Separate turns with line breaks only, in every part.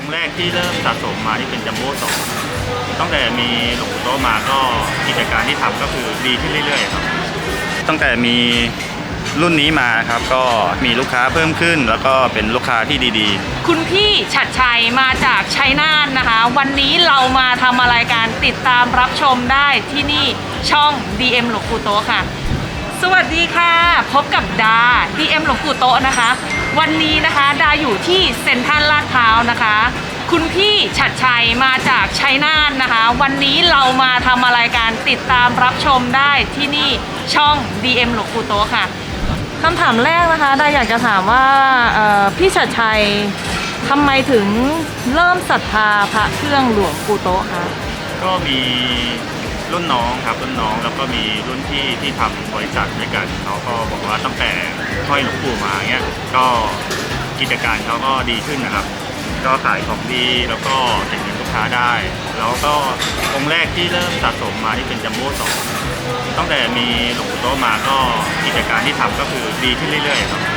ค์แรกที่เริ่มสะสมมาที่เป็นจัมโบ้2ตั้งแต่มีหลวงปู่โต๊ะมาก็กิจการที่ทำก็คือดีขึ้นเรื่อยๆครับตั้งแต่มีรุ่นนี้มาครับก็มีลูกค้าเพิ่มขึ้นแล้วก็เป็นลูกค้าที่ดี
ๆคุณพี่ฉัตรชัยมาจากชัยนาทนะคะ วันนี้เรามาทำอะไรกันติดตามรับชมได้ที่นี่ช่อง DM หลวงปู่โต๊ะค่ะสวัสดีค่ะพบกับดา DM หลวงปู่โต๊ะนะคะวันนี้นะคะดาอยู่ที่เซ็นทรัลลาดพร้าวนะคะคุณพี่ฉัตรชัยมาจากชัยนาทนะคะวันนี้เรามาทำอะไรกันติดตามรับชมได้ที่นี่ช่อง DM หลวงปู่โต๊ะค่ะคำถามแรกนะคะดาอยากจะถามว่าพี่ฉัตรชัยทำไมถึงเริ่มศรัทธาพระเครื่องหลวงปู่โต๊ะคะ
ก็มีรุ่นน้องครับรุ่นน้องแล้วก็มีรุ่นพี่ที่ทำบริษัทด้วยกันเขาก็บอกว่าตั้งแต่ห้อยหลวงปู่มาเงี้ยก็กิจการเขาก็ดีขึ้นนะครับก็ขายของดีแล้วก็ติดเงินลูกค้าได้แล้วก็องค์แรกที่เริ่มสะสมมาที่เป็นจัมโบ้2ตั้งแต่มีหลวงปู่โต๊ะมาก็กิจการที่ทำก็คือดีขึ้นเรื่อยๆครับ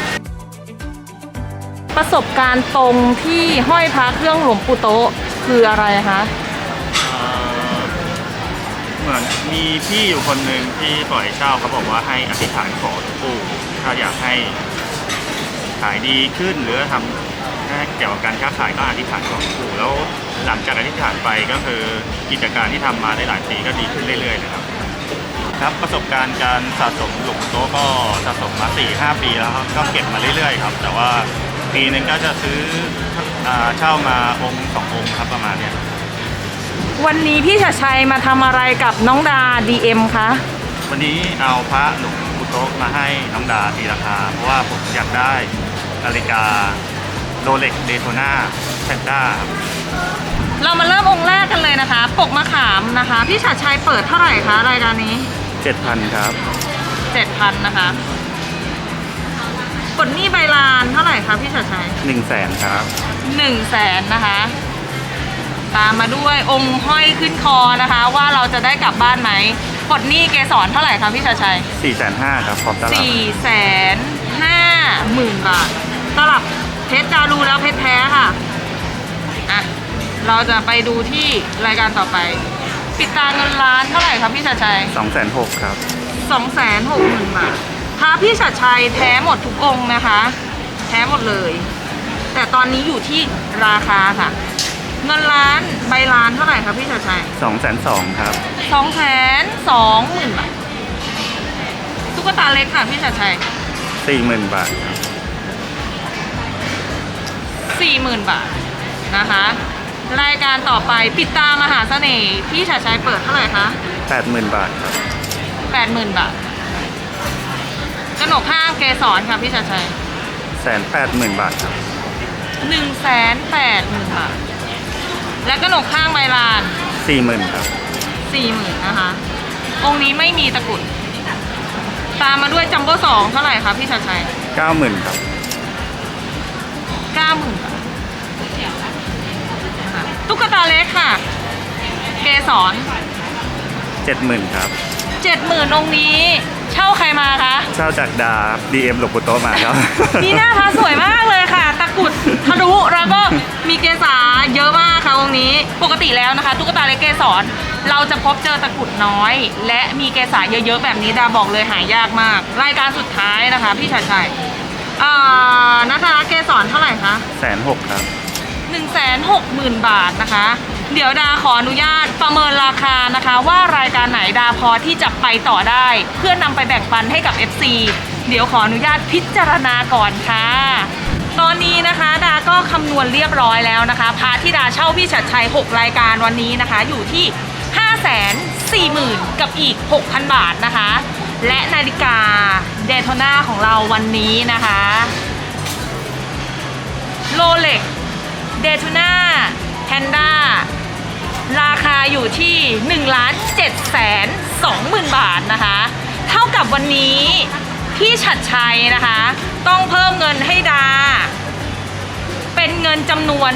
ประสบการณ์ตรงที่ห้อยพระเครื่องหลวงปู่โต๊ะคืออะไรคะ
เหมือนมีพี่อยู่คนหนึ่งที่ปล่อยเช่าเขาบอกว่าให้อธิษฐานขอหลวงปู่ถ้าอยากให้ขายดีขึ้นหรือทำเกี่ยวกับการค้าขายก็อธิษฐานขอหลวงปู่แล้วหลังจากอธิษฐานไปก็คือกิจการที่ทำมาได้หลายปีก็ดีขึ้นเรื่อยๆนะครับครับประสบการณ์การสะสมหลวงปู่โต๊ะก็สะสมมา 4-5 ปีแล้วครับก็เก็บมาเรื่อยๆครับแต่ว่าปีนึงก็จะซื้อเช่ามาองค์2องค์ครับประมาณนี้
วันนี้พี่ฉัตรชัยมาทำอะไรกับน้องดา DM คะ
วันนี้เอาพระหลวงปู่โต๊ะมาให้น้องดาตีราคาเพราะว่าผมอยากได้นาฬิกาโรเล็กเดโทนาแพนด้า
เรามาเริ่มองค์แรกกันเลยนะคะปกมะขามนะคะพี่ฉัตรชัยเปิดเท่าไหร่คะรายการนี้
7,000 ครับ
7,000 นะคะกดหนี้ใบลานเท่าไหร่คะพี่ฉัตรชัย
100,000 ครับ
100,000 นะคะตามมาด้วยองค์ห้อยขึ้นคอนะคะว่าเราจะได้กลับบ้านไหมกดหนี้เกสรเท่าไหร่คะพี่ฉัตรชัย
450,000 ครับพร้อมตลับ
450,000 บาทตลับเพชรดารูแล้วเพชรแท้ค่ะอ่ะเราจะไปดูที่รายการต่อไปปิดตาเงินล้านเท่าไหร่ครับพี่ฉัตรชัย
260,000 ครับ
260,000 บาทพระพี่ฉัตรชัยแท้หมดทุกองค์นะคะแท้หมดเลยแต่ตอนนี้อยู่ที่ราคาค่ะเงินล้านใบล้านเท่าไหร่ครับพี่ฉัตรชัย
220,000 ครับ
220,000 บาทตุ๊กตาเล็กค่ะพี่ฉัตรชัย
40,000 บาทครับ
40,000 บาทนะคะรายการต่อไปปิดตามหาเสน่ห์พี่ฉัตรชัยเปิดเท่าไหร่คะ
80,000 บาทครับ
80,000 บาทกระหนกข้างเกสรค่ะพี่ฉัตรชัย
180,000 บาทครับ
180,000 บาทและกระหนกข้างใบลาน
40,000 ครับ
40,000 นะคะองค์นี้ไม่มีตะกรุดตามมาด้วยจัมโบ้2เท่าไหร่คะพี่ฉัตรชัย
90,000 ครับ
90,000 บาทตุ๊กตาเล็กค่ะเกสร
70,000 ครับ
70,000 องค์นี้เช่าใครมาคะ
เช่าจากดา DM หลวงปู่โต๊ะมาครับ
นี่หน้าพระสวยมากเลยค่ะตะกรุดทะลุแล้วก็มีเกสาเยอะมากค่ะองค์นี้ปกติแล้วนะคะตุ๊กตาเล็กเกสรเราจะพบเจอตะกรุดน้อยและมีเกสาเยอะๆแบบนี้ดาบอกเลยหายากมากรายการสุดท้ายนะคะพี่ฉัตรชัยนัทรัตน์เกสรเท่าไหร่คะ
160,000 ครับ
160,000 บาทนะคะเดี๋ยวดาขออนุญาตประเมินราคานะคะว่ารายการไหนดาพอที่จะไปต่อได้เพื่อนำไปแบ่งปันให้กับ FC เดี๋ยวขออนุญาตพิจารณาก่อนค่ะตอนนี้นะคะดาก็คำนวณเรียบร้อยแล้วนะคะพาที่ดาเช่าพี่ฉัตรชัย6รายการวันนี้นะคะอยู่ที่ 540,000 กับอีก 6,000 บาทนะคะและนาฬิกาเดโทนาของเราวันนี้นะคะโรเล็กเดโทนาแพนด้าราคาอยู่ที่ 1,720,000 บาทนะคะเท่ากับวันนี้พี่ฉัตรชัยนะคะต้องเพิ่มเงินให้ดาเป็นเงินจำนวน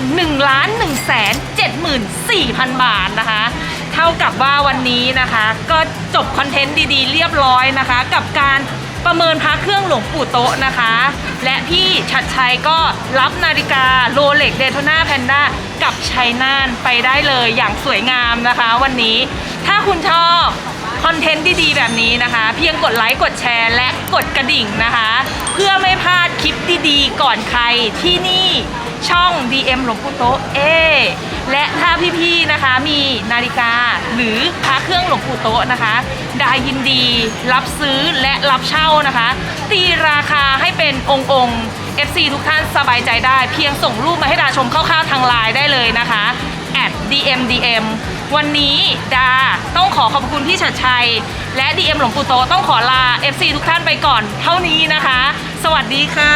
1,174,000 บาทนะคะเท่ากับว่าวันนี้นะคะก็จบคอนเทนต์ดีๆเรียบร้อยนะคะกับการประเมินพระเครื่องหลวงปู่โต๊ะนะคะ และพี่ชัดชัยก็รับนาฬิกาโรเล็กเดโทนาแพนด้ากับชัยนาทไปได้เลยอย่างสวยงามนะคะวันนี้ถ้าคุณชอบคอนเทนต์ดีๆแบบนี้นะคะเพียงกดไลค์กดแชร์และกดกระดิ่งนะคะเพื่อไม่พลาดคลิปดีๆก่อนใครที่นี่ช่อง DM หลวงปู่โต๊ะและถ้าพี่ๆนะคะมีนาฬิกาหรือพระเครื่องหลวงปู่โต๊ะนะคะดายินดีรับซื้อและรับเช่านะคะตีราคาให้เป็นองค์ FC ทุกท่านสบายใจได้เพียงส่งรูปมาให้ดาชมคร่าวๆทางไลน์ได้เลยนะคะ@DMDM วันนี้ดาต้องขอบคุณพี่ชัดชัยและ DM หลวงปู่โตต้องขอลา FC ทุกท่านไปก่อนเท่านี้นะคะ สวัสดีค่ะ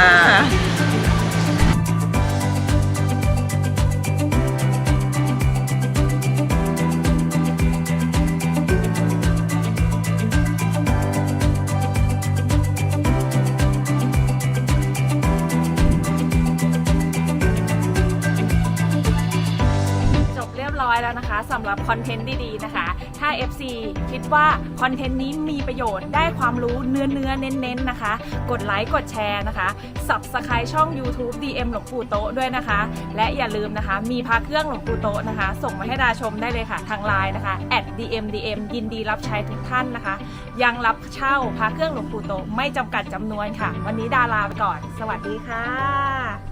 แล้วนะคะสำหรับคอนเทนต์ดีๆนะคะถ้า FC คิดว่าคอนเทนต์นี้มีประโยชน์ได้ความรู้เนื้อเน้นๆนะคะกดไลค์กดแชร์นะคะ Subscribe ช่อง YouTube DM หลวงปู่โต๊ะด้วยนะคะและอย่าลืมนะคะมีพระเครื่องหลวงปู่โต๊ะนะคะส่งมาให้ดาชมได้เลยค่ะทางไลน์นะคะ@DMDM ยินดีรับใช้ทุกท่านนะคะยังรับเช่าพระเครื่องหลวงปู่โต๊ะไม่จำกัดจำนวนค่ะวันนี้ดาลาไปก่อนสวัสดีค่ะ